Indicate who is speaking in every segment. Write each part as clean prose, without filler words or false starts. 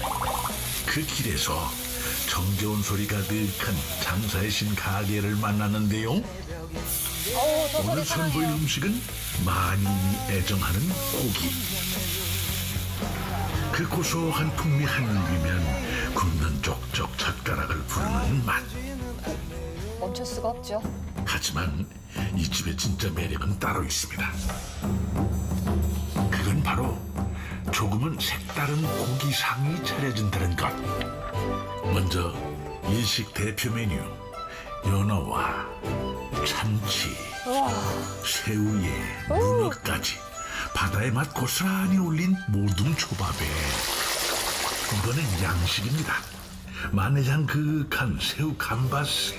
Speaker 1: 그 길에서 정겨운 소리 가득한 장사의 신 가게를 만났는데요. 오늘 선보일 음식은 많이 애정하는 고기. 그 고소한 풍미 한 입이면 굽는 족족 젓가락을 부르는 맛.
Speaker 2: 멈출 수가 없죠.
Speaker 1: 하지만 이 집의 진짜 매력은 따로 있습니다. 그건 바로 조금은 색다른 고기상이 차려진다는 것. 먼저 일식 대표 메뉴 연어와 참치, 새우에 문어까지 바다의 맛 고스란히 올린 모둠 초밥에 이번엔 양식입니다. 마늘향 그윽한 새우 감바스,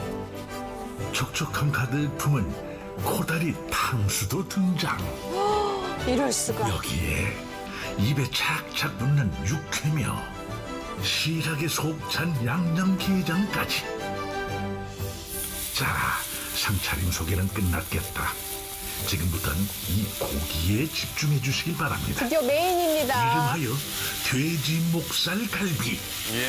Speaker 1: 촉촉함 가득 품은 코다리 탕수도 등장.
Speaker 2: 이럴 수가.
Speaker 1: 여기에 입에 착착 붙는 육회며 실하게 속 찬 양념게장까지. 자, 상차림 소개는 끝났겠다. 지금부터는 이 고기에 집중해 주시길 바랍니다.
Speaker 2: 드디어 메인입니다.
Speaker 1: 이름하여 돼지 목살 갈비.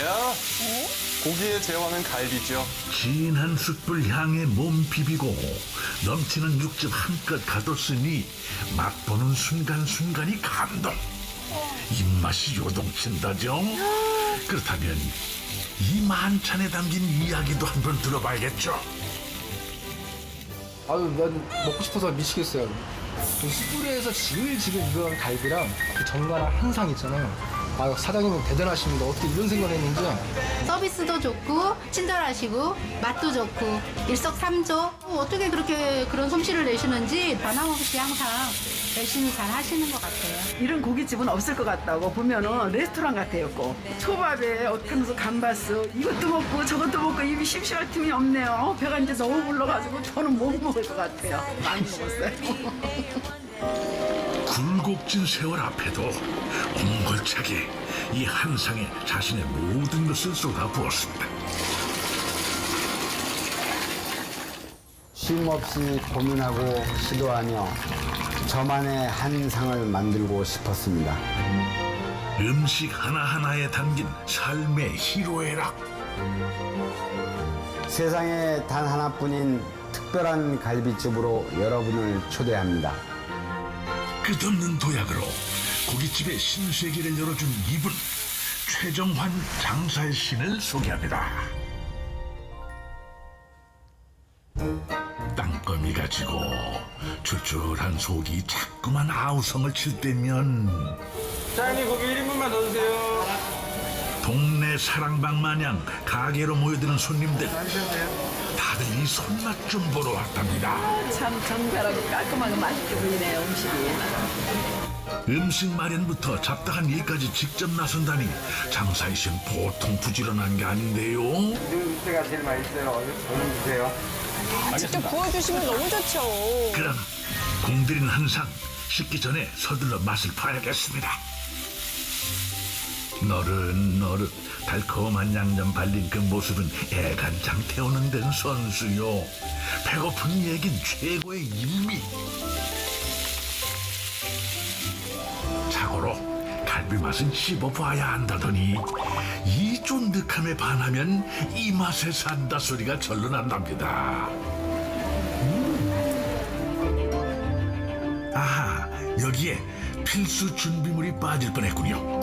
Speaker 3: 고기의 제왕은 갈비죠.
Speaker 1: 진한 숯불 향에 몸 비비고 넘치는 육즙 한껏 가뒀으니 맛보는 순간순간이 감동. 입맛이 요동친다죠. 그렇다면 이 만찬에 담긴 이야기도 한번 들어봐야겠죠.
Speaker 4: 아유, 난 먹고 싶어서 미치겠어요. 그 숯불에서 지글지글 익은 갈비랑 그 정갈한 한상 있잖아요. 아, 사장님은 대단하십니다. 어떻게 이런 생각을 했는지.
Speaker 5: 서비스도 좋고 친절하시고 맛도 좋고 일석삼조. 어떻게 그렇게 그런 솜씨를 내시는지 변함없이 항상 열심히 잘 하시는 것 같아요.
Speaker 6: 이런 고깃집은 없을 것 같다고 보면은 레스토랑 같아요. 꼭 초밥에 탕수 감바스 이것도 먹고 저것도 먹고 입이 심심할 틈이 없네요. 배가 이제 너무 불러가지고 저는 못 먹을 것 같아요. 많이 먹었어요.
Speaker 1: 굴곡진 세월 앞에도 옹골차게 이 한상에 자신의 모든 것을 쏟아부었습니다.
Speaker 7: 쉼없이 고민하고 시도하며 저만의 한상을 만들고 싶었습니다.
Speaker 1: 음식 하나하나에 담긴 삶의 희로애락.
Speaker 7: 세상에 단 하나뿐인 특별한 갈비집으로 여러분을 초대합니다.
Speaker 1: 끝없는 도약으로 고깃집의 신세계를 열어준 이분, 최정환 장사의 신을 소개합니다. 땅거미가 지고 출출한 속이 자꾸만 아우성을 칠 때면
Speaker 3: 사장님 고기 1인분만 더 주세요.
Speaker 1: 동네 사랑방 마냥 가게로 모여드는 손님들, 다들 이 손맛 좀 보러 왔답니다.
Speaker 6: 참 정갈하고 깔끔하고 맛있게 보이네요, 음식이.
Speaker 1: 음식 마련부터 잡다한 일까지 직접 나선다니 장사의 신 보통 부지런한 게 아닌데요.
Speaker 3: 제가 제일 맛있어요. 얼른 주세요.
Speaker 2: 직접 구워주시면 너무 좋죠.
Speaker 1: 그럼 공들인 한상 식기 전에 서둘러 맛을 봐야겠습니다. 너릇너릇 달콤한 양념 발린 그 모습은 애간장 태우는 데는 선수요. 배고픈 얘긴 최고의 일미. 자고로 갈비 맛은 씹어봐야 한다더니 이 쫀득함에 반하면 이 맛에 산다 소리가 절로 난답니다. 아하, 여기에 필수 준비물이 빠질 뻔했군요.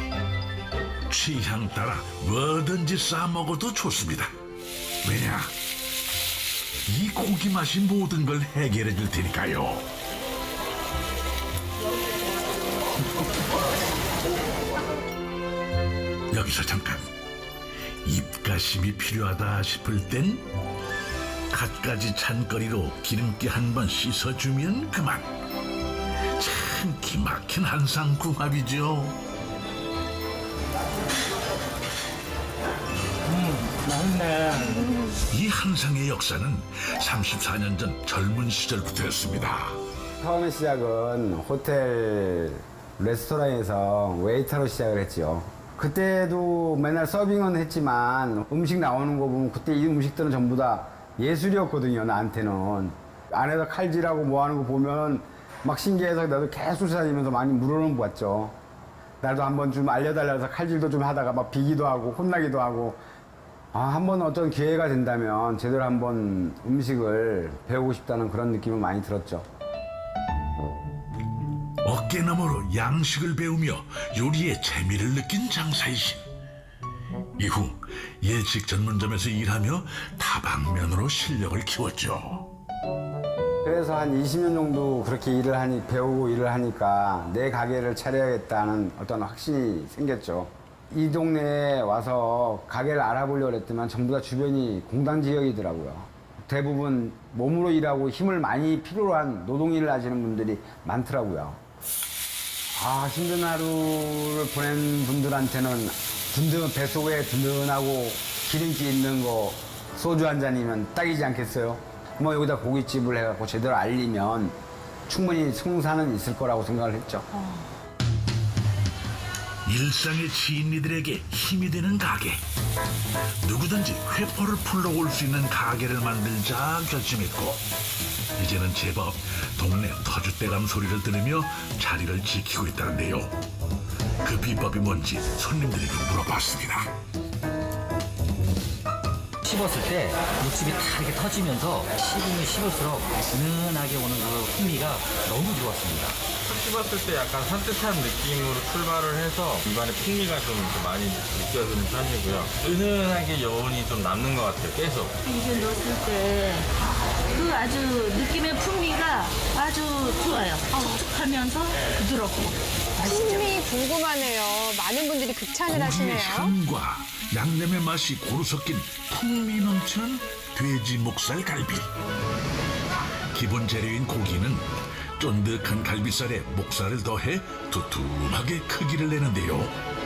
Speaker 1: 취향 따라 뭐든지 싸먹어도 좋습니다. 왜냐? 이 고기 맛이 모든 걸 해결해 줄 테니까요. 여기서 잠깐 입가심이 필요하다 싶을 땐 갖가지 찬거리로 기름기 한번 씻어주면 그만. 참 기막힌 한상궁합이죠. 이 한상의 역사는 34년 전 젊은 시절부터였습니다.
Speaker 7: 처음에 시작은 호텔 레스토랑에서 웨이터로 시작을 했죠. 그때도 맨날 서빙은 했지만 음식 나오는 거 보면 그때 이 음식들은 전부 다 예술이었거든요, 나한테는. 안에서 칼질하고 뭐 하는 거 보면 막 신기해서 나도 계속 다니면서 많이 물어는 봤죠. 나도 한번 좀 알려달라서 칼질도 좀 하다가 막 비기도 하고 혼나기도 하고 한번 어떤 기회가 된다면 제대로 한번 음식을 배우고 싶다는 그런 느낌은 많이 들었죠.
Speaker 1: 어깨너머로 양식을 배우며 요리의 재미를 느낀 장사의 신. 이후 예식 전문점에서 일하며 다방면으로 실력을 키웠죠.
Speaker 7: 그래서 한 20년 정도 그렇게 배우고 일을 하니까 내 가게를 차려야겠다는 어떤 확신이 생겼죠. 이 동네에 와서 가게를 알아보려고 했지만 전부 다 주변이 공단 지역이더라고요. 대부분 몸으로 일하고 힘을 많이 필요로 한 노동일을 하시는 분들이 많더라고요. 힘든 하루를 보낸 분들한테는 뱃속에 든든하고 기름기 있는 거 소주 한 잔이면 딱이지 않겠어요? 뭐 여기다 고깃집을 해갖고 제대로 알리면 충분히 승산은 있을 거라고 생각을 했죠.
Speaker 1: 일상의 지인이들에게 힘이 되는 가게. 누구든지 회포를 풀러올 수 있는 가게를 만들자 결심했고 이제는 제법 동네 터줏대감 소리를 들으며 자리를 지키고 있다는데요. 그 비법이 뭔지 손님들에게 물어봤습니다.
Speaker 8: 씹었을 때 육즙이 다 이렇게 터지면서 씹으면 씹을수록 은은하게 오는 그 풍미가 너무 좋았습니다.
Speaker 3: 씹었을 때 약간 산뜻한 느낌으로 출발을 해서 입안에 풍미가 좀 많이 느껴지는 편이고요. 은은하게 여운이 좀 남는 것 같아요, 계속.
Speaker 9: 입에 넣었을 때 그 아주 느낌의 풍미가 아주 좋아요. 촉촉하면서 부드럽고.
Speaker 2: 풍미 궁금하네요. 많은 분들이 극찬을
Speaker 1: 고기의
Speaker 2: 하시네요.
Speaker 1: 향과 양념의 맛이 고루 섞인 풍미 넘치는 돼지 목살 갈비. 기본 재료인 고기는 쫀득한 갈비살에 목살을 더해 두툼하게 크기를 내는데요.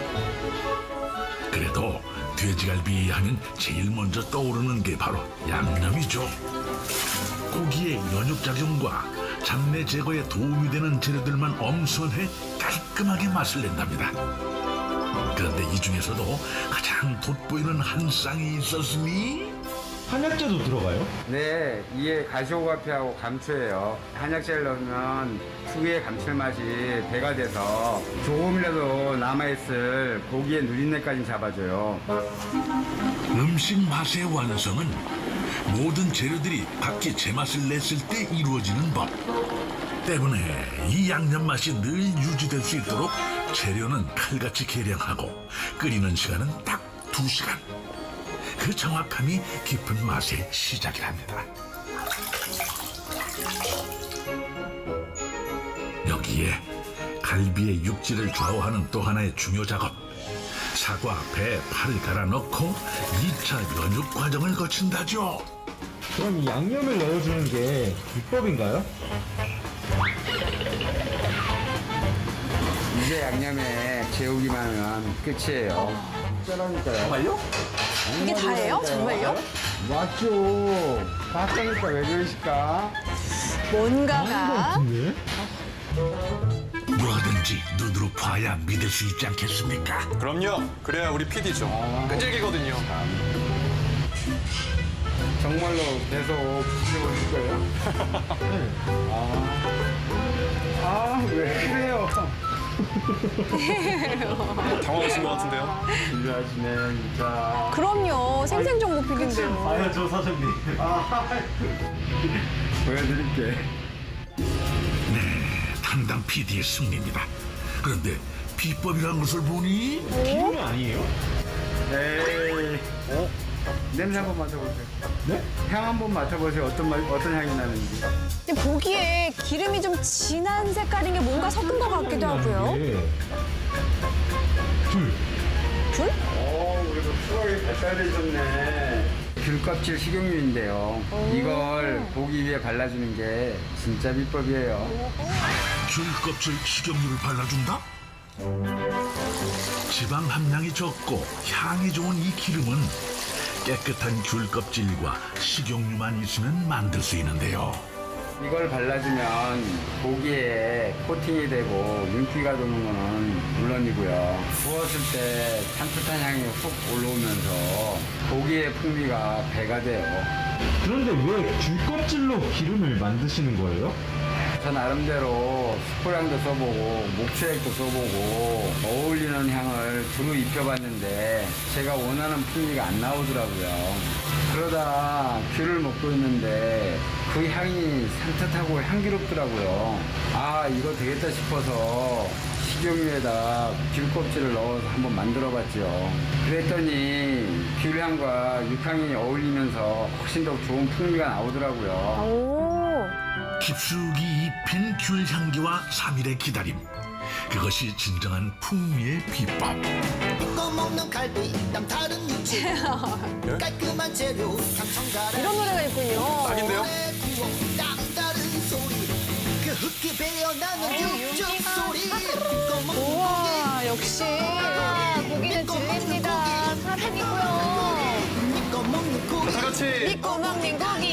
Speaker 1: 그래도 돼지갈비 하면 제일 먼저 떠오르는 게 바로 양념이죠. 고기의 연육작용과 잡내 제거에 도움이 되는 재료들만 엄선해 깔끔하게 맛을 낸답니다. 그런데 이 중에서도 가장 돋보이는 한 쌍이 있었으니
Speaker 10: 한약재도 들어가요?
Speaker 7: 네, 이게 가시오가피하고 감초예요. 한약재를 넣으면 특유의 감칠맛이 배가 돼서 조금이라도 남아있을 고기의 누린내까지 잡아줘요.
Speaker 1: 음식 맛의 완성은 모든 재료들이 각기 제맛을 냈을 때 이루어지는 법 때문에 이 양념 맛이 늘 유지될 수 있도록 재료는 칼같이 계량하고 끓이는 시간은 딱 2시간. 그 정확함이 깊은 맛의 시작이랍니다. 여기에 갈비의 육질을 좌우하는 또 하나의 중요 작업. 사과, 배, 파를 갈아 넣고 2차 연육 과정을 거친다죠.
Speaker 10: 그럼 이 양념을 넣어주는 게 비법인가요?
Speaker 7: 이제 양념에 재우기만 하면 끝이에요. 짜라니까요.
Speaker 10: 정말요?
Speaker 2: 이게 다예요? 정말요?
Speaker 7: 맞죠. 봤다니까 왜 그러실까?
Speaker 2: 뭔가가
Speaker 10: 네?
Speaker 1: 뭐든지 눈으로 봐야 믿을 수 있지 않겠습니까?
Speaker 3: 그럼요. 그래야 우리 PD죠. 끈질기거든요.
Speaker 7: 정말로 계속 지켜보실 거예요? 왜 그래요?
Speaker 3: 당황하신 것 같은데요?
Speaker 7: 진료하시네, 진짜.
Speaker 2: 그럼요. 생생정보 필인데요.
Speaker 10: 아야죠 사장님.
Speaker 7: 보여드릴게.
Speaker 1: 담당 PD의 승리입니다. 그런데 비법이라는 것을 보니
Speaker 10: 기름이 아니에요?
Speaker 7: 에이. 냄새 한번 맡아보세요.
Speaker 10: 네?
Speaker 7: 향 한번 맡아보세요. 어떤 향이 나는지.
Speaker 2: 근데 보기에 기름이 좀 진한 색깔인 게 뭔가 섞은 것 같기도 하고요.
Speaker 10: 네. 귤.
Speaker 2: 귤?
Speaker 7: 그래도 수학이 발달되셨네. 귤껍질 식용유인데요. 이걸 고기 위에 발라주는 게 진짜 비법이에요.
Speaker 1: 귤 껍질 식용유를 발라준다? 지방 함량이 적고 향이 좋은 이 기름은 깨끗한 귤 껍질과 식용유만 있으면 만들 수 있는데요.
Speaker 7: 이걸 발라주면 고기에 코팅이 되고 윤기가 도는 거는 물론이고요. 구웠을 때 산뜻한 향이 훅 올라오면서 고기의 풍미가 배가 돼요.
Speaker 10: 그런데 왜 귤 껍질로 기름을 만드시는 거예요?
Speaker 7: 저 나름대로 스프랑도 써보고 목초액도 써보고 어울리는 향을 두루 입혀봤는데 제가 원하는 풍미가 안 나오더라고요. 그러다 귤을 먹고 있는데 그 향이 산뜻하고 향기롭더라고요. 아, 이거 되겠다 싶어서 식용유에다 귤 껍질을 넣어서 한번 만들어봤죠. 그랬더니 귤향과 육향이 어울리면서 훨씬 더 좋은 풍미가 나오더라고요.
Speaker 2: 오.
Speaker 1: 깊숙이 입힌 귤 향기와 3일의 기다림. 그것이 진정한 풍미의 비법.
Speaker 11: 먹는 갈비 남다른 육즙 깔끔한 재료 삼천가라
Speaker 2: 이런 노래가 있군요.
Speaker 11: 딱인데요? 남다른 소리 그 흙이 배어나는 육즙 소리
Speaker 2: 우와, 역시. 고기는 질립니다. 사랑이고요.
Speaker 11: 믿고 먹는 고기
Speaker 10: 다 같이
Speaker 2: 믿고 먹는 고기.